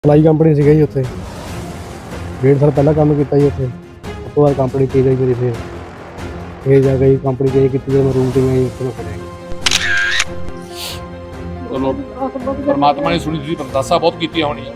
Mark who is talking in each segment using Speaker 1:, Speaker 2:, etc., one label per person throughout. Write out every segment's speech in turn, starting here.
Speaker 1: Supply company ਸੀਗਾ ਜੀ ਉੱਥੇ 1.5 ਸਾਲ ਪਹਿਲਾਂ ਕੰਮ ਕੀਤਾ ਜੀ ਉੱਥੇ। ਉਸ ਤੋਂ ਬਾਅਦ ਕੰਪਨੀ ਚੇਂਜ ਹੋਈ ਮੇਰੀ, ਫਿਰ ਜਾ ਕੇ ਕੰਪਨੀ ਚੇਂਜ ਕੀਤੀ ਜਦੋਂ ਮੈਂ ਰੂਮ 'ਚ ਗਿਆ ਜੀ, ਉੱਥੇ ਮੈਂ ਫੜਿਆ ਗਿਆ।
Speaker 2: ਚਲੋ ਪਰਮਾਤਮਾ ਨੇ ਸੁਣੀ, ਤੁਸੀਂ ਅਰਦਾਸਾਂ ਬਹੁਤ ਕੀਤੀਆਂ ਹੋਣੀਆਂ।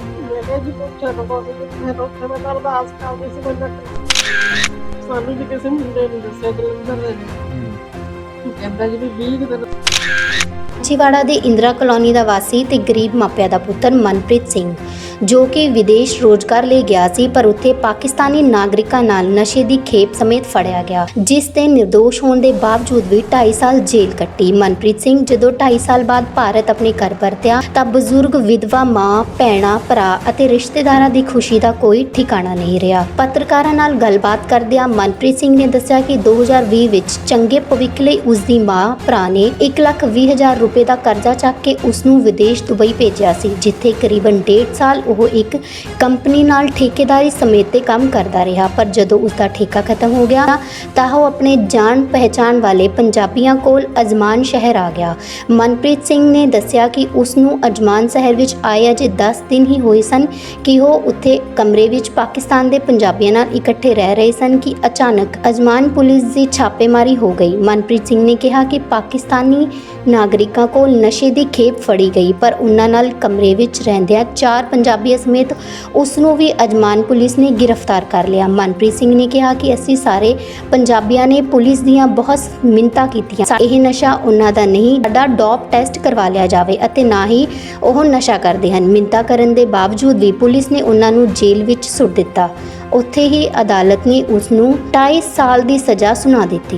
Speaker 3: ਸਾਨੂੰ ਵੀ ਕਿਸੇ ਮੁੰਡੇ ਨੇ ਦੱਸਿਆ ਜਲੰਧਰ ਦੇ ਕਹਿੰਦਾ ਜੀ ਵੀ 20 ਦਿਨ
Speaker 4: ਮਾਛੀਵਾੜਾ ਦੇ ਇੰਦਰਾ ਕਲੋਨੀ ਦਾ ਵਾਸੀ ਤੇ ਗਰੀਬ ਮਾਪਿਆਂ ਦਾ ਪੁੱਤਰ ਮਨਪ੍ਰੀਤ ਸਿੰਘ, ਜੋ ਕਿ ਵਿਦੇਸ਼ ਰੋਜ਼ਗਾਰ ਲਈ ਗਿਆ ਸੀ, ਪਰ ਉੱਥੇ ਪਾਕਿਸਤਾਨੀ ਨਾਗਰਿਕਾਂ ਨਾਲ ਨਸ਼ੇ ਦੀ ਖੇਪ ਸਮੇਤ ਫੜਿਆ ਗਿਆ, ਜਿਸ ਤੇ ਨਿਰਦੋਸ਼ ਹੋਣ ਦੇ ਬਾਵਜੂਦ ਵੀ 2.5 ਸਾਲ ਜੇਲ੍ਹ ਕੱਟੀ। ਮਨਪ੍ਰੀਤ ਸਿੰਘ ਜਦੋਂ 2.5 ਸਾਲ ਬਾਅਦ ਭਾਰਤ ਆਪਣੇ ਘਰ ਪਰਤਿਆ ਤਾਂ ਬਜ਼ੁਰਗ ਵਿਧਵਾ ਮਾਂ, ਭੈਣਾਂ, ਭਰਾ ਅਤੇ ਰਿਸ਼ਤੇਦਾਰਾਂ ਦੀ ਖੁਸ਼ੀ ਦਾ ਕੋਈ ਠਿਕਾਣਾ ਨਹੀਂ ਰਿਹਾ। ਪੱਤਰਕਾਰਾਂ ਨਾਲ ਗੱਲਬਾਤ ਕਰਦਿਆਂ ਮਨਪ੍ਰੀਤ ਸਿੰਘ ਨੇ ਦੱਸਿਆ ਕਿ 2020 ਵਿੱਚ ਚੰਗੇ ਭਵਿੱਖ ਲਈ ਉਸ ਦੀ ਮਾਂ, ਭਰਾ ਨੇ 1,20,000 ਰੁਪਏ ਦਾ ਕਰਜ਼ਾ ਚੱਕ ਕੇ ਉਸ ਨੂੰ ਵਿਦੇਸ਼ ਦੁਬਈ ਭੇਜਿਆ ਸੀ, ਜਿੱਥੇ ਕਰੀਬਨ 1.5 ਸਾਲ ਉਹ ਇੱਕ ਕੰਪਨੀ ਨਾਲ ਠੇਕੇਦਾਰੀ ਸਮੇਤ ਤੇ ਕੰਮ ਕਰਦਾ ਰਿਹਾ। ਪਰ ਜਦੋਂ ਉਸ ਦਾ ਠੇਕਾ ਖਤਮ ਹੋ ਗਿਆ ਤਾਂ ਉਹ ਆਪਣੇ ਜਾਣ ਪਹਿਚਾਣ ਵਾਲੇ ਪੰਜਾਬੀਆਂ ਕੋਲ ਅਜਮਾਨ ਸ਼ਹਿਰ ਆ ਗਿਆ। ਮਨਪ੍ਰੀਤ ਸਿੰਘ ਨੇ ਦੱਸਿਆ ਕਿ ਉਸ ਨੂੰ ਅਜਮਾਨ ਸ਼ਹਿਰ ਵਿੱਚ ਆਏ ਅਜੇ 10 ਦਿਨ ਹੀ ਹੋਏ ਸਨ ਕਿ ਉਹ ਉੱਥੇ ਕਮਰੇ ਵਿੱਚ ਪਾਕਿਸਤਾਨ ਦੇ ਪੰਜਾਬੀਆਂ ਨਾਲ ਇਕੱਠੇ ਰਹਿ ਰਹੇ ਸਨ ਕਿ ਅਚਾਨਕ ਅਜਮਾਨ ਪੁਲਿਸ ਦੀ ਛਾਪੇਮਾਰੀ ਹੋ ਗਈ। ਮਨਪ੍ਰੀਤ ਸਿੰਘ ਨੇ ਕਿਹਾ ਕਿ ਪਾਕਿਸਤਾਨੀ ਨਾਗਰਿਕਾਂ ਕੋਲ ਨਸ਼ੇ ਦੀ ਖੇਪ ਫੜੀ ਗਈ, ਪਰ ਉਹਨਾਂ ਨਾਲ ਕਮਰੇ ਵਿੱਚ ਰਹਿੰਦਿਆਂ 4 ਪੰਜਾਬੀਆਂ ਸਮੇਤ ਉਸ ਨੂੰ ਵੀ ਅਜਮਾਨ ਪੁਲਿਸ ਨੇ ਗ੍ਰਿਫਤਾਰ ਕਰ ਲਿਆ। ਮਨਪ੍ਰੀਤ ਸਿੰਘ ਨੇ ਕਿਹਾ ਕਿ ਅਸੀਂ ਸਾਰੇ ਪੰਜਾਬੀਆਂ ਨੇ ਪੁਲਿਸ ਦੀਆਂ ਬਹੁਤ ਮਿੰਨਤਾਂ ਕੀਤੀਆਂ, ਇਹ ਨਸ਼ਾ ਉਹਨਾਂ ਦਾ ਨਹੀਂ, ਸਾਡਾ ਡੋਪ ਟੈਸਟ ਕਰਵਾ ਲਿਆ ਜਾਵੇ ਅਤੇ ਨਾ ਹੀ ਉਹ ਨਸ਼ਾ ਕਰਦੇ ਹਨ। ਮਿੰਨਤਾਂ ਕਰਨ ਦੇ ਬਾਵਜੂਦ ਵੀ ਪੁਲਿਸ ਨੇ ਉਹਨਾਂ ਨੂੰ ਜੇਲ੍ਹ ਵਿੱਚ ਸੁੱਟ ਦਿੱਤਾ। ਉੱਥੇ ਹੀ ਅਦਾਲਤ ਨੇ ਉਸ ਨੂੰ 2.5 ਸਾਲ ਦੀ ਸਜ਼ਾ ਸੁਣਾ ਦਿੱਤੀ।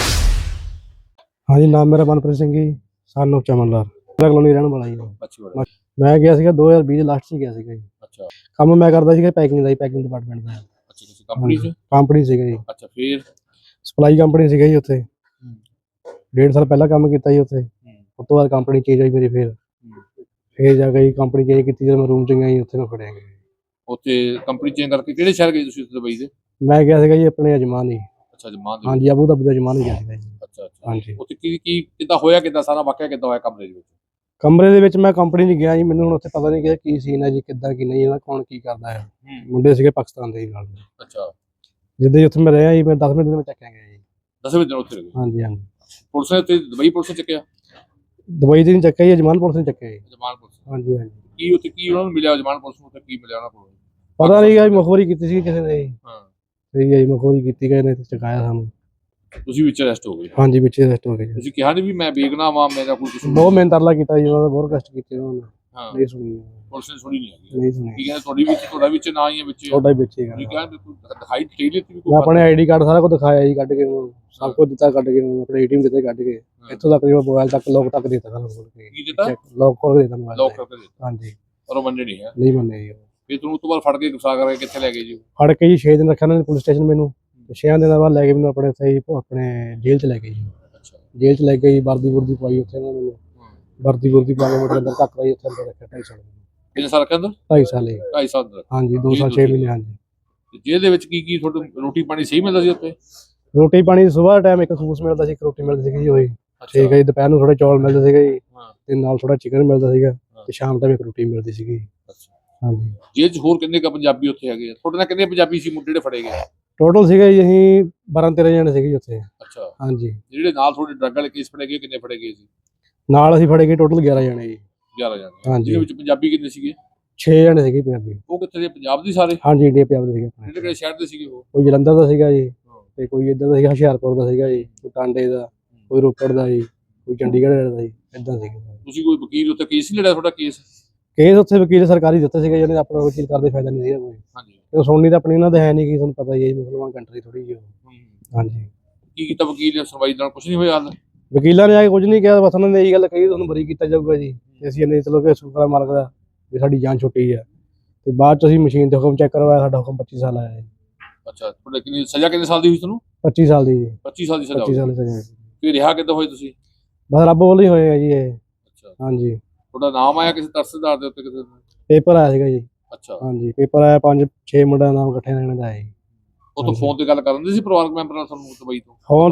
Speaker 1: ਹਾਂਜੀ, ਨਾਮ ਮੇਰਾ ਮਨਪ੍ਰੀਤ ਸਿੰਘ ਜੀ, ਸਾਨੂੰ ਚਮਨ ਲਾਲ, ਇੰਦਰਾ ਕਲੋਨੀ ਰਹਿਣ ਵਾਲਾ ਜੀ।
Speaker 2: ਅੱਛਾ
Speaker 1: ਮੈਂ ਗਿਆ ਸੀਗਾ 2020 ਲਾਸਟ 'ਚ ਗਿਆ ਸੀਗਾ ਜੀ।
Speaker 2: ਅੱਛਾ
Speaker 1: ਕੰਮ ਮੈਂ ਕਰਦਾ ਸੀਗਾ ਪੈਕਿੰਗ ਦਾ ਜੀ, ਪੈਕਿੰਗ ਡਿਪਾਰਟਮੈਂਟ ਦਾ।
Speaker 2: ਅੱਛਾ, ਕਿਸੇ ਕੰਪਨੀ 'ਚ?
Speaker 1: ਕੰਪਨੀ ਸੀਗਾ ਜੀ,
Speaker 2: ਅੱਛਾ, ਫਿਰ
Speaker 1: ਸਪਲਾਈ ਕੰਪਨੀ ਸੀਗਾ ਜੀ ਉੱਥੇ 1.5 ਸਾਲ ਪਹਿਲਾਂ ਕੰਮ ਕੀਤਾ ਜੀ ਉੱਥੇ। ਉਸ ਤੋਂ ਬਾਅਦ ਕੰਪਨੀ ਚੇਂਜ ਹੋਈ ਮੇਰੀ, ਫਿਰ ਜਾ ਕੇ ਕੰਪਨੀ ਚੇਂਜ ਕੀਤੀ ਜਦੋਂ ਮੈਂ ਰੂਮ 'ਚ ਗਿਆ ਜੀ, ਉੱਥੇ ਮੈਂ ਫੜਿਆ ਗਿਆ।
Speaker 2: ਉੱਥੇ ਕੰਪਨੀ ਚੇਂਜ ਕਰਕੇ ਕਿਹੜੇ ਸ਼ਹਿਰ ਗਏ ਤੁਸੀਂ ਦੁਬਈ ਦੇ?
Speaker 1: ਮੈਂ ਗਿਆ ਸੀਗਾ ਜੀ ਆਪਣੇ ਅਜਮਾਨ ਹੀ।
Speaker 2: ਅੱਛਾ, ਜਮਾਨ ਦੇ?
Speaker 1: ਹਾਂਜੀ, ਅਬੂ ਧਾਬੀ ਦਾ ਅਜਮਾਨ ਹੀ ਗਿਆ ਸੀਗਾ ਜੀ।
Speaker 2: ਅੱਛਾ
Speaker 1: ਹਾਂਜੀ,
Speaker 2: ਉੱਥੇ ਕੀ ਕਿੱਦਾਂ ਹੋਇਆ, ਕਿੱਦਾਂ ਸਾਰਾ ਵਾਕਿਆ ਕਿੱਦਾਂ ਹੋਇਆ ਕਮਰੇ ਦੇ ਵਿੱਚ?
Speaker 1: ਕਮਰੇ ਦੇ ਵਿੱਚ ਮੈਂ ਕੰਪਨੀ 'ਚ ਗਿਆ ਜੀ, ਮੈਨੂੰ ਹੁਣ ਉੱਥੇ ਪਤਾ ਨਹੀਂ ਕਿ ਕੀ ਸੀਨ ਹੈ ਜੀ, ਕਿੱਦਾਂ ਕੀ ਨਹੀਂ, ਇਹਦਾ ਕੌਣ ਕੀ ਕਰਦਾ ਹੈ। ਮੁੰਡੇ ਸੀਗੇ ਪਾਕਿਸਤਾਨ ਦੇ ਨਾਲ।
Speaker 2: ਅੱਛਾ,
Speaker 1: ਜਿੱਦਾਂ ਹੀ ਉੱਥੇ ਮੈਂ ਰਿਹਾ ਜੀ, ਮੈਂ 10ਵੇਂ ਦਿਨ ਮੈਂ ਚੱਕਿਆ ਗਿਆ ਜੀ।
Speaker 2: 10ਵੇਂ ਦਿਨ ਉੱਥੇ ਰਹੇ?
Speaker 1: ਹਾਂਜੀ ਹਾਂਜੀ,
Speaker 2: ਪੁਲਿਸ ਨੇ ਤੇ ਦੁਬਈ ਪੁਲਿਸ ਨੇ ਚੱਕਿਆ?
Speaker 1: ਦੁਬਈ ਦੇ ਨਹੀਂ ਚੱਕਿਆ ਜੀ, ਅਜਮਾਨ ਪੁਲਿਸ ਨੇ ਚੱਕਿਆ ਜੀ।
Speaker 2: ਜਮਾਨ ਪੁਲਿਸ?
Speaker 1: ਹਾਂਜੀ ਹਾਂਜੀ,
Speaker 2: ਕੀ ਉੱਥੇ ਕੀ ਉਹਨਾਂ ਨੂੰ ਮਿਲਿਆ ਜਮਾਨ ਪੁਲਿਸ ਨੂੰ, ਉੱਥੇ ਕੀ ਮਿਲਿਆ ਉਹਨਾਂ ਕੋਲ?
Speaker 1: ਪਤਾ ਨਹੀਂ ਗਾ ਜੀ, ਮਖੌਰੀ ਕੀਤੀ ਸੀ ਕਿਸੇ ਨੇ ਜੀ।
Speaker 2: ਹਾਂ,
Speaker 1: ਸਹੀ ਹੈ ਜੀ, ਮਖੌਰੀ ਕੀਤੀ ਗਏ ਨੇ ਤੇ ਚਕਾਇਆ ਸਾਨੂੰ।
Speaker 2: ਤੁਸੀਂ ਵਿੱਚ ਅਰੈਸਟ ਹੋ ਗਏ?
Speaker 1: ਹਾਂਜੀ, ਪਿੱਛੇ ਅਰੈਸਟ ਹੋ ਗਏ ਜੀ।
Speaker 2: ਤੁਸੀਂ ਕਿਹਾ ਨਹੀਂ ਵੀ ਮੈਂ ਬੇਗੁਨਾਹ ਵਾਂ, ਮੇਰਾ ਕੋਈ ਕਸੂਰ
Speaker 1: ਬਹੁਤ ਮਿਹਨਤ ਤਰਲਾ ਕੀਤਾ ਜੀ ਉਹਨਾਂ ਦਾ, ਬਹੁਤ ਕਸ਼ਟ ਕੀਤੇ ਉਹਨਾਂ ਨੇ,
Speaker 2: ਹਾਂ,
Speaker 1: ਨਹੀਂ ਸੁਣੀ,
Speaker 2: ਪੁਲਿਸ ਨੇ ਸੁਣੀ ਨਹੀਂ ਹੈਗੀ।
Speaker 1: ਨਹੀਂ ਸੁਣੀ।
Speaker 2: ਕੀ ਕਹਿੰਦੇ ਤੁਹਾਡਾ ਵਿੱਚ ਨਾ ਹੀ ਹੈ ਵਿੱਚ?
Speaker 1: ਤੁਹਾਡਾ ਹੀ ਵਿੱਚ ਹੀ
Speaker 2: ਤੁਸੀਂ
Speaker 1: ਗਾ।
Speaker 2: ਕਹਿੰਦੇ ਦਿਖਾਈ ਦੇ ਦਿੱਤੀ ਵੀ
Speaker 1: ਮੈਂ ਆਪਣੇ ਆਈਡੀ ਕਾਰਡ ਸਾਰਾ ਕੁਝ ਦਿਖਾਇਆ ਜੀ, ਕੱਢ ਕੇ ਉਹਨੂੰ ਸਭ ਕੁਝ ਦਿੱਤਾ, ਕੱਢ ਕੇ ਉਹਨੂੰ ਆਪਣੇ ਏਟੀਐਮ ਦਿੱਤੇ, ਕੱਢ ਕੇ ਇੱਥੋਂ ਤੱਕ ਮੋਬਾਈਲ ਤੱਕ ਲੋਕ ਤੱਕ ਦਿੱਤਾ ਸਾਰਾ ਖੋਲ ਕੇ।
Speaker 2: ਕੀ ਦਿੱਤਾ?
Speaker 1: ਲੋਕ ਖੋਲ ਕੇ ਦਿੱਤਾ ਮੋਬਾਈਲ।
Speaker 2: ਲੋਕ ਕਰਕੇ ਦਿੱਤਾ?
Speaker 1: ਹਾਂਜੀ,
Speaker 2: ਪਰ ਉਹ ਮੰਨੇ ਨਹੀਂ ਹੈ?
Speaker 1: ਨਹੀਂ ਮੰਨੇ ਜੀ।
Speaker 2: ਫਿਰ ਤੁਹਾਨੂੰ ਉਸ ਤੋਂ ਬਾਅਦ ਫੜ ਕੇ ਗੁੱਸਾ ਕਰਕੇ ਕਿੱਥੇ ਲੈ ਗਏ ਜੀ?
Speaker 1: ਫੜ ਕੇ ਜੀ 6 ਦਿਨ ਰੱਖਿਆ ਉਹਨਾਂ ਨੇ ਪੁਲਿਸ ਸਟੇਸ਼ਨ ਮੈਨੂੰ, 6 ਦਿਨਾਂ ਬਾਅਦ ਲੈ ਕੇ ਮੈਨੂੰ ਆਪਣੇ ਸਹੀ ਆਪਣੇ ਜੇਲ੍ਹ 'ਚ ਲੈ ਗਏ ਜੀ।
Speaker 2: ਅੱਛਾ,
Speaker 1: ਜੇਲ੍ਹ 'ਚ ਲੈ ਕੇ ਜੀ ਵਰਦੀ ਪਵਾਈ ਉੱਥੇ ਉਹਨਾਂ ਨੇ ਮੈਨੂੰ, ਵਰਦੀ ਪਾ ਕੇ ਮੇਰੇ ਅੰਦਰ ਧੱਕ ਲਾਈ, ਉੱਥੇ ਅੰਦਰ ਰੱਖਿਆ 2.5 ਸਾਲ।
Speaker 2: ਕਿੰਨੇ ਸਾਲ ਰੱਖਿਆ ਅੰਦਰ?
Speaker 1: 2.5 ਸਾਲ ਜੀ।
Speaker 2: 2.5 ਸਾਲ ਅੰਦਰ?
Speaker 1: ਹਾਂਜੀ, 2 ਸਾਲ 6 ਮਹੀਨੇ। ਹਾਂਜੀ,
Speaker 2: ਤੇ ਜੇਲ੍ਹ ਦੇ ਵਿੱਚ ਕੀ ਤੁਹਾਨੂੰ ਰੋਟੀ ਪਾਣੀ ਸਹੀ ਮਿਲਦਾ ਸੀ ਉੱਥੇ?
Speaker 1: ਰੋਟੀ ਪਾਣੀ ਸਵੇਰ ਟਾਈਮ ਇੱਕ ਖੂਸ ਮਿਲਦਾ ਸੀ, ਇੱਕ ਰੋਟੀ ਮਿਲਦੀ ਸੀਗੀ ਜੀ ਉਹੀ। ਠੀਕ ਹੈ ਜੀ, ਦੁਪਹਿਰ ਨੂੰ ਥੋੜੇ ਚੌਲ ਮਿਲਦੇ ਸੀਗੇ ਜੀ, ਤੇ ਨਾਲ ਥੋੜਾ ਚਿਕਨ ਮਿਲਦਾ ਸੀਗਾ, ਤੇ ਸ਼ਾਮ ਟਾਈਮ ਇੱਕ ਰੋਟੀ ਮਿਲਦੀ ਸੀਗੀ। ਹਾਂਜੀ,
Speaker 2: ਜੇਲ੍ਹ 'ਚ ਹੋਰ ਕਿੰਨੇ ਕ ਪੰਜਾਬੀ ਉੱਥੇ ਹੈਗੇ ਆ? ਤੁਹਾਡੇ ਨਾਲ ਕਿੰਨੇ ਪੰਜਾਬੀ ਸੀ ਮੁੰਡੇ ਜਿਹੜੇ ਫੜੇ ਗਏ?
Speaker 1: ਟੋਟਲ ਸੀਗਾ ਜੀ ਅਸੀਂ 12-13 ਜਣੇ ਸੀਗੇ ਜੀ ਉੱਥੇ।
Speaker 2: ਅੱਛਾ,
Speaker 1: ਹਾਂਜੀ,
Speaker 2: ਜਿਹੜੇ ਨਾਲ ਤੁਹਾਡੇ ਡਰੱਗ ਵਾਲੇ ਕੇਸ ਫੜੇ ਗਏ ਕਿੰਨੇ ਫੜੇ ਗਏ ਸੀ?
Speaker 1: ਨਾਲ ਅਸੀਂ ਫੜੇ ਗਏ ਟੋਟਲ 11 ਜਣੇ ਜੀ।
Speaker 2: 11 ਜਣੇ?
Speaker 1: ਹਾਂਜੀ,
Speaker 2: ਜਿਹਦੇ ਵਿੱਚ ਪੰਜਾਬੀ ਕਿੰਨੇ ਸੀਗੇ?
Speaker 1: 6 ਜਣੇ ਸੀਗੇ ਪੰਜਾਬੀ।
Speaker 2: ਉਹ ਕਿੱਥੇ ਦੇ, ਪੰਜਾਬ ਦੇ ਸਾਰੇ?
Speaker 1: ਹਾਂਜੀ, ਇੰਡੀਆ ਪੰਜਾਬ ਦੇ ਸੀਗੇ ਆਪਣੇ।
Speaker 2: ਕਿਹੜੇ ਸ਼ਹਿਰ ਦੇ ਸੀਗੇ ਉਹ?
Speaker 1: ਕੋਈ ਜਲੰਧਰ ਦਾ ਸੀਗਾ ਜੀ, ਤੇ ਕੋਈ ਇੱਧਰ ਦਾ ਸੀਗਾ ਹੁਸ਼ਿਆਰਪੁਰ ਦਾ ਸੀਗਾ ਜੀ, ਕੋਈ ਟਾਂਡੇ ਦਾ, ਕੋਈ ਰੋਪੜ ਦਾ ਜੀ, ਕੋਈ ਚੰਡੀਗੜ੍ਹ ਦਾ ਜੀ, ਇੱਦਾਂ ਸੀਗਾ।
Speaker 2: ਤੁਸੀਂ ਕੋਈ ਵਕੀਲ ਉੱਥੇ ਕੇਸ ਨਹੀਂ ਲੜਿਆ ਤੁਹਾਡਾ? ਕੇਸ
Speaker 1: ਉੱਥੇ ਵਕੀਲ ਸਰਕਾਰੀ ਦਿੱਤੇ ਸੀਗੇ, ਜਿਹਨੇ ਆਪਣਾ ਵਕੀਲ ਕਰਦੇ ਫਾਇਦਾ ਨਹੀਂ ਸੀਗਾ ਕੋਈ।
Speaker 2: ਹਾਂਜੀ,
Speaker 1: ਤੇ ਸੁਣਨੀ ਤਾਂ ਆਪਣੀ ਉਹਨਾਂ ਦੇ ਹੈ ਨਹੀਂ, ਕਿ ਤੁਹਾਨੂੰ ਪਤਾ ਹੀ ਹੈ ਜੀ, ਮੁਸਲਮਾਨ ਕੰਟਰੀ ਥੋੜੀ ਜਿਹੀ। ਹਾਂਜੀ,
Speaker 2: ਕੀ ਕੀਤਾ ਵਕੀਲ ਨੇ? ਸੁਣਵਾਈ ਨਾਲ ਕੁਝ ਨਹੀਂ ਹੋਇਆ ਹਾਲ?
Speaker 1: ਵਕੀਲਾਂ ਨੇ ਆ ਕੇ ਕੁਝ ਨਹੀਂ ਕਿਹਾ, ਬਸ ਉਹਨਾਂ ਨੇ ਇਹੀ ਗੱਲ ਕਹੀ ਤੁਹਾਨੂੰ ਬਰੀ ਕੀਤਾ ਜਾਊਗਾ ਜੀ। ਤੇ ਅਸੀਂ ਇਹਨੇ ਚਲੋ ਕਿ ਸ਼ੁਕਰ ਮਾਲਕ ਦਾ ਵੀ ਸਾਡੀ ਜਾਨ ਛੁੱਟੀ ਆ। ਤੇ ਬਾਅਦ ਚ ਅਸੀਂ ਮਸ਼ੀਨ ਤੇ ਹੁਕਮ ਚੈੱਕ ਕਰਵਾਇਆ, ਸਾਡਾ ਹੁਕਮ 25 ਸਾਲ ਆਇਆ ਜੀ।
Speaker 2: ਅੱਛਾ, ਤੁਹਾਡੇ ਕਿੰਨੀ ਸਜ਼ਾ ਕਿੰਨੇ ਸਾਲ ਦੀ ਹੋਈ ਤੁਹਾਨੂੰ?
Speaker 1: 25 ਸਾਲ ਦੀ ਜੀ।
Speaker 2: 25 ਸਾਲ ਦੀ ਸਜ਼ਾ
Speaker 1: 25
Speaker 2: ਹੋਈ?
Speaker 1: ਸਾਲ ਦੀ ਸਜ਼ਾ।
Speaker 2: ਫਿਰ ਰਿਹਾ ਕਿੱਦਾਂ ਹੋਏ ਤੁਸੀਂ?
Speaker 1: ਬਸ ਰੱਬ ਵੱਲੋਂ ਹੀ ਹੋਏ ਆ ਜੀ ਇਹ।
Speaker 2: ਅੱਛਾ,
Speaker 1: ਹਾਂਜੀ,
Speaker 2: ਤੁਹਾਡਾ ਨਾਮ ਆਇਆ ਕਿਸੇ ਤਰਸਦਾਰ ਦੇ ਉੱਤੇ ਕਿਸੇ ਦਾ?
Speaker 1: ਪੇਪਰ ਆਇਆ ਸੀਗਾ ਜੀ।
Speaker 2: ਅੱਛਾ,
Speaker 1: ਹਾਂਜੀ, ਪੇਪਰ ਆਇਆ, 5-6 ਮੁੰਡਿਆਂ ਦਾ ਨਾਮ ਇਕੱਠੇ ਰਹਿਣ ਦਾ ਹੈ ਜੀ।
Speaker 2: ਉਹ ਤੋਂ ਫੋਨ ਤੇ ਗੱਲ ਕਰਨ ਦੇ ਸੀ ਪਰਿਵਾਰਕ ਮੈਂਬਰ ਨਾਲ ਤੁਹਾਨੂੰ ਦੁਬਈ ਤੋਂ?
Speaker 1: ਫੋਨ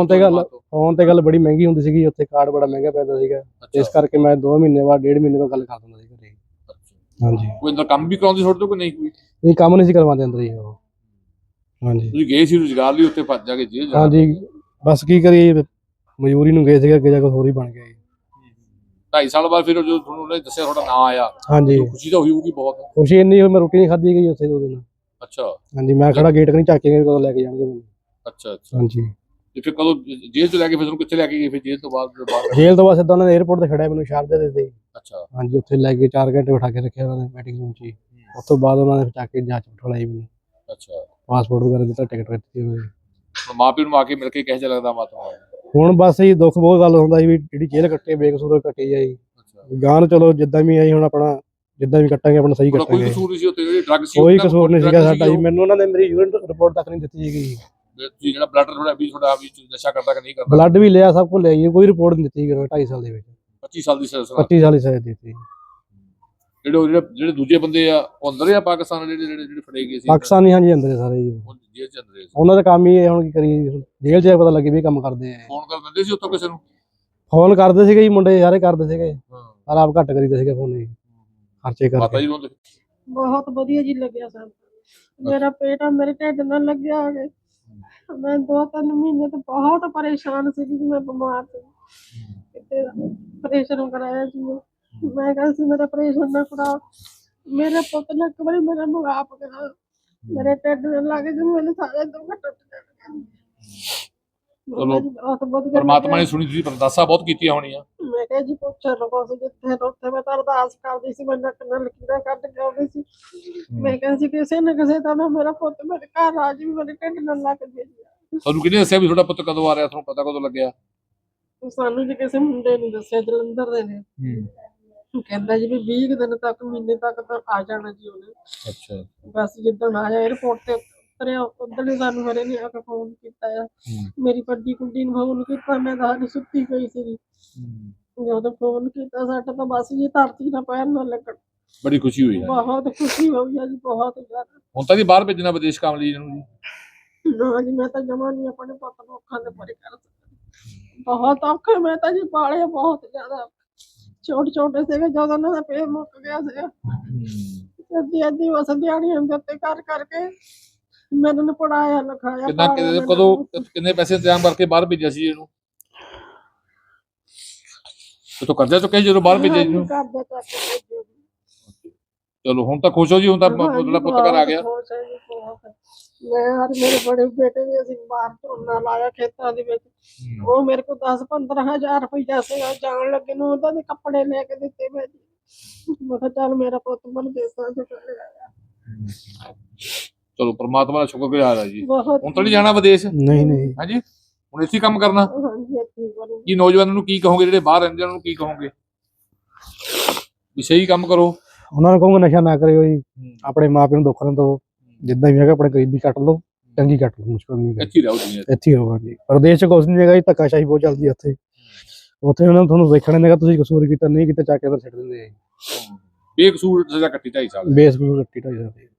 Speaker 1: ਤੇ ਗੱਲ ਬੜੀ ਮਹਿੰਗੀ ਹੁੰਦੀ ਸੀਗੀ ਉੱਥੇ, ਕਾਰਡ ਬੜਾ ਮਹਿੰਗਾ ਪੈਂਦਾ ਸੀਗਾ, ਇਸ ਕਰਕੇ ਮੈਂ 2 ਮਹੀਨੇ ਬਾਅਦ 1.5 ਮਹੀਨੇ ਬਾਅਦ ਗੱਲ ਕਰ ਦਿੰਦਾ ਸੀ ਘਰੇ। ਹਾਂਜੀ
Speaker 2: ਕੋਈ ਅੰਦਰ ਕੰਮ ਵੀ ਕਰਾਉਂਦੀ ਤੁਹਾਡੇ ਤੋਂ ਕਿ ਨਹੀਂ ਕੋਈ?
Speaker 1: ਇਹ ਕੰਮ ਨਹੀਂ ਸੀ ਕਰਵਾਉਂਦੇ ਅੰਦਰ ਹੀ ਉਹ। ਹਾਂਜੀ
Speaker 2: ਤੁਸੀਂ ਗਏ ਸੀ ਰੁਜ਼ਗਾਰ ਲਈ ਉੱਥੇ ਭੱਜ ਜਾ ਕੇ ਜੇਲ੍ਹ ਜਾਣਾ।
Speaker 1: ਹਾਂਜੀ ਬਸ ਕੀ ਕਰੀਏ, ਮਜ਼ਦੂਰੀ ਨੂੰ ਗਏ ਸੀਗੇ, ਅੱਗੇ ਜਾ ਕੇ ਹੋਰ ਹੀ ਬਣ ਗਿਆ ਜੀ।
Speaker 2: 2.5 ਸਾਲ ਬਾਅਦ ਫਿਰ ਜਦੋਂ ਤੁਹਾਨੂੰ ਉਹਨੇ ਦੱਸਿਆ ਤੁਹਾਡਾ ਨਾਂ ਆਇਆ,
Speaker 1: ਹਾਂਜੀ
Speaker 2: ਖੁਸ਼ੀ ਤਾਂ ਹੋਈ ਹੋਊਗੀ ਬਹੁਤ।
Speaker 1: ਖੁਸ਼ੀ ਇੰਨੀ ਹੋਈ, ਮੈਂ ਰੋਟੀ ਨਹੀਂ ਖਾਧੀ ਗਈ ਉੱਥੇ 2 ਦਿਨ।
Speaker 2: ਅੱਛਾ
Speaker 1: ਹਾਂਜੀ ਮੈਂ ਖੜਾ ਗੇਟ ਕਨੀ ਝਾਕੇ ਗਏ ਕਦੋਂ ਲੈ ਕੇ ਜਾਣਗੇ ਮੈਨੂੰ।
Speaker 2: ਅੱਛਾ ਅੱਛਾ।
Speaker 1: ਹਾਂਜੀ
Speaker 2: ਤੇ ਫਿਰ ਕਦੋਂ ਜੇਲ੍ਹ ਤੋਂ ਲੈ ਕੇ ਫਿਰ ਤੁਹਾਨੂੰ ਕਿੱਥੇ ਲੈ ਕੇ ਗਏ ਫਿਰ ਜੇਲ੍ਹ ਤੋਂ ਬਾਅਦ ਜਦੋਂ ਬਾਹਰ?
Speaker 1: ਜੇਲ੍ਹ ਤੋਂ ਬਾਅਦ ਸਿੱਧਾ ਉਹਨਾਂ ਨੇ 에어ਪੋਰਟ ਤੇ ਖੜਿਆ ਮੈਨੂੰ ਸ਼ਾਰਜਾ ਦੇ ਦਿੱਤੇ।
Speaker 2: ਅੱਛਾ
Speaker 1: ਹਾਂਜੀ ਉੱਥੇ ਲੈ ਕੇ 4 ਘੰਟੇ ਬਿਠਾ ਕੇ ਰੱਖਿਆ ਉਹਨਾਂ ਨੇ ਮੀਟਿੰਗ ਰੂਮ 'ਚ ਹੀ। ਉਸ ਤੋਂ ਬਾਅਦ ਉਹਨਾਂ ਨੇ ਚੱਕ ਕੇ ਜਾਂਚ ਬਿਠਾਈ ਮੈਨੂੰ,
Speaker 2: ਅੱਛਾ।
Speaker 1: ਪਾਸਪੋਰਟ ਵਗੈਰਾ ਦਿੱਤਾ, ਟਿਕਟ ਦਿੱਤੀ ਉਹਨਾਂ ਨੇ।
Speaker 2: ਹੁਣ ਮਾਂ ਪਿਓ ਨੂੰ ਆ ਕੇ ਮਿਲ ਕੇ ਕਿਹੋ ਜਿਹਾ ਲੱਗਦਾ ਮਾਤਾ?
Speaker 1: ਹੁਣ ਬਸ ਇਹ ਦੁੱਖ ਬਹੁਤ ਗੱਲ ਹੁੰਦਾ ਸੀ ਵੀ ਜਿਹੜੀ ਜੇਲ੍ਹ ਕੱਟੇ ਬੇਕਸੂਰ ਕੱਟੀ ਜਾਈ।
Speaker 2: ਅੱਛਾ।
Speaker 1: ਗਾਂ ਨੂੰ ਚਲੋ ਜਿੱਦਾਂ ਵੀ ਆਈ ਹੁਣ ਆਪਣਾ ਜਿੱਦਾਂ ਵੀ ਕੱਟਾਂਗੇ ਆਪਣਾ ਸਹੀ
Speaker 2: ਤੁਹਾਡਾ ਕੋਈ
Speaker 1: ਕੱਟਾਂਗੇ।
Speaker 2: ਕਸੂਰ ਨਹੀਂ ਸੀ ਉੱਥੇ, ਜਿਹੜੀ ਡਰੱਗ ਸੀ
Speaker 1: ਕੋਈ
Speaker 2: ਉਹਨਾਂ
Speaker 1: ਕਸੂਰ ਨਹੀਂ
Speaker 2: drug
Speaker 1: ਸੀਗਾ ਸਾਡਾ ਜੀ।
Speaker 2: ਉਹ?
Speaker 1: ਮੈਨੂੰ ਉਹਨਾਂ ਨੇ ਮੇਰੀ ਯੂਰਿਨ ਰਿਪੋਰਟ ਤੱਕ ਨਹੀਂ ਦਿੱਤੀ ਸੀਗੀ।
Speaker 2: ਤੁਸੀਂ ਜਿਹੜਾ ਬਲੱਡ ਤੁਹਾਡਾ ਵੀ ਨਸ਼ਾ ਕਰਦਾ ਕਿ ਨਹੀਂ ਕਰਦਾ?
Speaker 1: ਬਲੱਡ ਵੀ ਲਿਆ, ਸਭ ਕੁਝ ਲਿਆ ਜੀ, ਕੋਈ ਰਿਪੋਰਟ ਨਹੀਂ ਦਿੱਤੀ 2.5 ਸਾਲ ਦੇ ਵਿੱਚ।
Speaker 2: 25 ਸਾਲ ਦੀ ਸਜ਼ਾ।
Speaker 1: 25 ਸਾਲ ਦੀ ਸਜ਼ਾ ਦਿੱਤੀ।
Speaker 2: ਜਿਹੜੇ ਦੂਜੇ ਬੰਦੇ ਆ ਉਹ ਅੰਦਰ ਆ ਪਾਕਿਸਤਾਨ, ਜਿਹੜੇ ਫੜੇ ਗਏ ਸੀ
Speaker 1: ਪਾਕਿਸਤਾਨੀ ਹਾਂਜੀ ਅੰਦਰ ਸਾਰੇ ਜੀ।
Speaker 2: ਉਹ ਜੇਲ੍ਹ ਚ ਅੰਦਰ ਸੀ।
Speaker 1: ਉਹਨਾਂ ਦਾ ਕੰਮ ਹੀ ਇਹ, ਹੁਣ ਕੀ ਕਰੀਏ, ਜੇਲ੍ਹ 'ਚ ਜਾ ਕੇ ਪਤਾ ਲੱਗੇ ਵੀ ਇਹ ਕੰਮ ਕਰਦੇ ਆ।
Speaker 2: ਫੋਨ ਕਰ ਦਿੰਦੇ ਸੀ ਉੱਥੋਂ ਕਿਸੇ ਨੂੰ?
Speaker 1: ਫੋਨ ਕਰਦੇ ਸੀਗੇ ਜੀ, ਮੁੰਡੇ ਸਾਰੇ ਕਰਦੇ ਸੀਗੇ,
Speaker 2: ਹਾਂ।
Speaker 1: ਪਰ ਆਪ ਘੱਟ ਕਰੀਦੇ ਸੀਗੇ ਫੋਨ ਜੀ, ਖਰਚੇ
Speaker 2: ਮਾਤਾ
Speaker 1: ਕਰਕੇ।
Speaker 2: ਜੀ ਨੂੰ
Speaker 3: ਬਹੁਤ ਵਧੀਆ ਜੀ ਲੱਗਿਆ ਸਾਨੂੰ। ਮੇਰਾ ਪੇਟ ਆ ਮੇਰੇ ਢਿੱਡ ਨਾਲ ਲੱਗਿਆ ਹੋਵੇ। ਮੈਂ 2-3 ਮਹੀਨੇ ਤੋਂ ਬਹੁਤ ਪਰੇਸ਼ਾਨ ਸੀ ਜੀ, ਮੈਂ ਬਿਮਾਰ ਸੀ, ਕਿਤੇ ਆਪਰੇਸ਼ਨ ਕਰਾਇਆ ਜੀ ਮੈਂ ਕਿਹਾ ਸੀ ਮੇਰਾ ਆਪਰੇਸ਼ਨ ਨਾ ਕਰਾਓ। ਮੇਰੇ ਪੁੱਤ ਨੇ ਇੱਕ ਵਾਰੀ ਮੇਰਾ ਮੁਗਾਪ ਕਰਾ, ਮੇਰੇ ਢਿੱਡ ਨਾਲ ਲੱਗ ਕੇ ਮੇਰੇ ਸਾਰੇ ਦੁੱਖ ਟੁੱਟ ਗਏ।
Speaker 2: ਚਲੋ
Speaker 3: ਬਹੁਤ ਵਧੀਆ
Speaker 2: ਪਰਮਾਤਮਾ ਨੇ
Speaker 3: ਲੱਗਿਆ।
Speaker 2: ਸੁਣੀ, ਤੁਸੀਂ ਅਰਦਾਸਾਂ ਬਹੁਤ ਕੀਤੀਆਂ ਹੋਣੀਆਂ।
Speaker 3: ਮੈਂ ਕਿਹਾ ਜੀ ਪੁੱਛੋ ਲੋਕਾਂ ਤੋਂ, ਜਿੱਥੇ ਉੱਥੇ ਮੈਂ ਤਾਂ ਅਰਦਾਸ ਕਰਦੀ ਸੀ, ਮੈਂ ਨੱਕ ਨਾਲ ਲਕੀਰਾਂ ਕੱਢ ਕੇ ਆਉਂਦੀ ਸੀ। ਮੈਂ ਕਿਹਾ ਸੀ ਕਿਸੇ ਨਾ ਕਿਸੇ ਤਰ੍ਹਾਂ ਮੇਰਾ ਪੁੱਤ ਮੇਰੇ ਘਰ ਆ ਜੀ, ਮੇਰੇ ਢਿੱਡ ਨਾਲ ਲੱਗ ਜੇ ਜੀ।
Speaker 2: ਤੁਹਾਨੂੰ ਕਿਹਨੇ ਦੱਸਿਆ ਵੀ ਤੁਹਾਡਾ ਪੁੱਤ ਕਦੋਂ ਆ ਰਿਹਾ? ਤੁਹਾਨੂੰ ਪਤਾ ਕਦੋਂ ਲੱਗਿਆ?
Speaker 3: ਸਾਨੂੰ ਜੀ ਕਿਸੇ ਮੁੰਡੇ ਨੇ ਦੱਸਿਆ, ਜਲੰਧਰ ਦੇ ਨੇ। ਕਹਿੰਦਾ ਜੀ ਵੀ 20 ਕੁ ਦਿਨ ਤੱਕ, ਮਹੀਨੇ ਤੱਕ ਤਾਂ ਆ ਜਾਣਾ ਜੀ ਉਹਨੇ।
Speaker 2: ਅੱਛਾ।
Speaker 3: ਬਸ ਜਿੱਦਣ ਆਇਆ 에어ਪੋਰਟ ਤੇ ਉਤਰਿਆ, ਉਦੋਂ ਹੀ ਸਾਨੂੰ ਮੇਰੇ ਨੇ ਆ ਕੇ ਫੋਨ ਕੀਤਾ ਆ। ਮੇਰੀ ਵੱਡੀ ਕੁੜੀ ਨੂੰ ਫੋਨ ਕੀਤਾ, ਮੈਂ ਤਾਂ ਹਾਲੇ ਸੁੱਤੀ ਪਈ ਸੀ। ਜਦੋਂ ਫੋਨ ਕੀਤਾ ਸਾਡਾ ਤਾਂ ਬਸ ਜੀ ਧਰਤੀ ਨਾਲ ਪੈਰ ਨਾ ਲੱਗਣ।
Speaker 2: ਬੜੀ ਖੁਸ਼ੀ ਹੋਈ ਹੈ।
Speaker 3: ਬਹੁਤ ਖੁਸ਼ੀ ਹੋਈ ਆ ਜੀ, ਬਹੁਤ ਜ਼ਿਆਦਾ।
Speaker 2: ਹੁਣ ਤਾਂ ਜੀ ਬਾਹਰ ਭੇਜਣਾ ਵਿਦੇਸ਼ ਕੰਮ ਲਈ ਇਹਨੂੰ ਜੀ?
Speaker 3: ਨਾ ਜੀ ਮੈਂ ਤਾਂ ਜਮਾ ਨਹੀਂ ਆਪਣੇ ਪੁੱਤ ਨੂੰ ਅੱਖਾਂ ਦੇ ਪਰੇ ਕਰ ਸਕਦੀ। ਬਹੁਤ ਔਖੇ ਮੈਂ ਤਾਂ ਜੀ ਪਾਲੇ ਬਹੁਤ ਜ਼ਿਆਦਾ। ਛੋਟੇ ਸੀਗੇ ਜਦੋਂ ਉਹਨਾਂ ਦਾ ਪੇਟ ਮੁੱਕ ਗਿਆ ਸੀਗਾ। ਅੱਧੀ ਬਸ ਦਿਹਾੜੀਆਂ ਦੇ ਉੱਤੇ ਕਰ ਕਰਕੇ ਮੈਨੂੰ ਨੇ ਪੜਾਇਆ ਲਿਖਾਇਆ।
Speaker 2: ਕਿੰਨੇ ਪੈਸੇ ਇੰਤਜ਼ਾਮ ਕਰਕੇ ਬਾਹਰ ਭੇਜਿਆ ਸੀ ਇਹਨੂੰ? ਤੋ ਕਰਜ਼ਾ ਚੁੱਕਿਆ ਜਦੋਂ ਬਾਹਰ ਭੇਜਿਆ ਇਹਨੂੰ?
Speaker 3: ਕਰਜ਼ਾ ਚੱਕ ਕੇ ਭੇਜਿਆ ਜੀ।
Speaker 2: ਚਲੋ ਹੁਣ ਤਾਂ ਖੁਸ਼ ਹੋ ਜੀ, ਹੁਣ ਤਾਂ ਤੁਹਾਡਾ ਪੁੱਤ ਘਰ ਆ ਗਿਆ।
Speaker 3: ਖੁਸ਼ ਹੈ ਜੀ, ਬਹੁਤ। ਮੈਂ ਔਰ ਮੇਰੇ ਬੜੇ ਬੇਟੇ ਵੀ ਅਸੀਂ ਬਾਹਰ ਝੋਨਾ ਲਾਇਆ ਖੇਤਾਂ ਦੇ ਵਿੱਚ। ਉਹ ਮੇਰੇ ਕੋਲ 10-15 ਹਜ਼ਾਰ ਰੁਪਈਆ ਸੀਗਾ, ਜਾਣ ਲੱਗੇ ਨੂੰ ਉਹਦਾ ਦੇ ਕੱਪੜੇ ਲੈ ਕੇ ਦਿੱਤੇ ਮੈਂ ਜੀ। ਮੈਂ ਕਿਹਾ ਚੱਲ ਮੇਰਾ ਪੁੱਤ ਮਨ ਦੇਸਾਂ ਚ ਚਲੇ ਆਇਆ।
Speaker 2: ਚਲੋ ਪਰਮਾਤਮਾ ਦਾ ਸ਼ੁਕਰਗੁਜ਼ਾਰ ਆ ਜੀ।
Speaker 3: ਬਹੁਤ
Speaker 2: ਹੁਣ ਤਾਂ ਨਹੀਂ ਜਾਣਾ ਵਿਦੇਸ਼?
Speaker 1: ਨਹੀਂ
Speaker 2: ਹਾਂਜੀ ਹੁਣ ਇੱਥੇ ਕੰਮ ਕਰਨਾ?
Speaker 3: ਹਾਂਜੀ ਇੱਥੇ ਕਰੂੰ।
Speaker 2: ਕੀ ਨੌਜਵਾਨਾਂ ਨੂੰ ਕੀ ਕਹੋਗੇ, ਜਿਹੜੇ ਬਾਹਰ ਰਹਿੰਦੇ ਉਹਨਾਂ ਨੂੰ ਕੀ ਕਹੋਗੇ ਵੀ ਸਹੀ ਕੰਮ ਕਰੋ?
Speaker 1: ਉਹਨਾਂ ਨੂੰ ਕਹੂੰਗਾ ਨਸ਼ਾ ਨਾ ਕਰਿਓ ਜੀ, ਆਪਣੇ ਮਾਪਿਆਂ ਨੂੰ ਦੁੱਖ ਨਾ ਦਿਓ, ਜਿੱਦਾਂ ਵੀ ਹੈਗਾ ਆਪਣੇ ਗਰੀਬੀ ਕੱਟ ਲਓ, ਚੰਗੀ ਕੱਟ ਲਓ, ਮੁਸ਼ਕਲ ਨਹੀਂ ਹੈ।
Speaker 2: ਇੱਥੇ ਰਹੋ ਦੁਨੀਆ 'ਚ।
Speaker 1: ਇੱਥੇ ਹੀ ਹੋਗਾ ਜੀ। ਪ੍ਰਦੇਸ਼ 'ਚ ਕੁਛ ਨਹੀਂ ਹੈਗਾ ਜੀ, ਧੱਕਾਸ਼ਾਹੀ ਬਹੁਤ ਚੱਲਦੀ ਹੈ ਉੱਥੇ। ਉੱਥੇ ਉਹਨਾਂ ਨੂੰ ਤੁਹਾਨੂੰ ਵੇਖਣਾ ਨਹੀਂ ਹੈਗਾ, ਤੁਸੀਂ ਕਸੂਰ ਕੀਤਾ ਨਹੀਂ ਕੀਤਾ, ਚੱਕ ਕੇ ਅੰਦਰ ਛੱਡ ਦਿੰਦੇ ਆ ਜੀ।
Speaker 2: ਬੇਕਸੂਰ ਸਜ਼ਾ ਕੱਟੀ 2.5 ਸਾਲ।
Speaker 1: ਬੇਸ ਨੂੰ ਕੱਟੀ ਢਾਈ ਜਾਂਦੀ।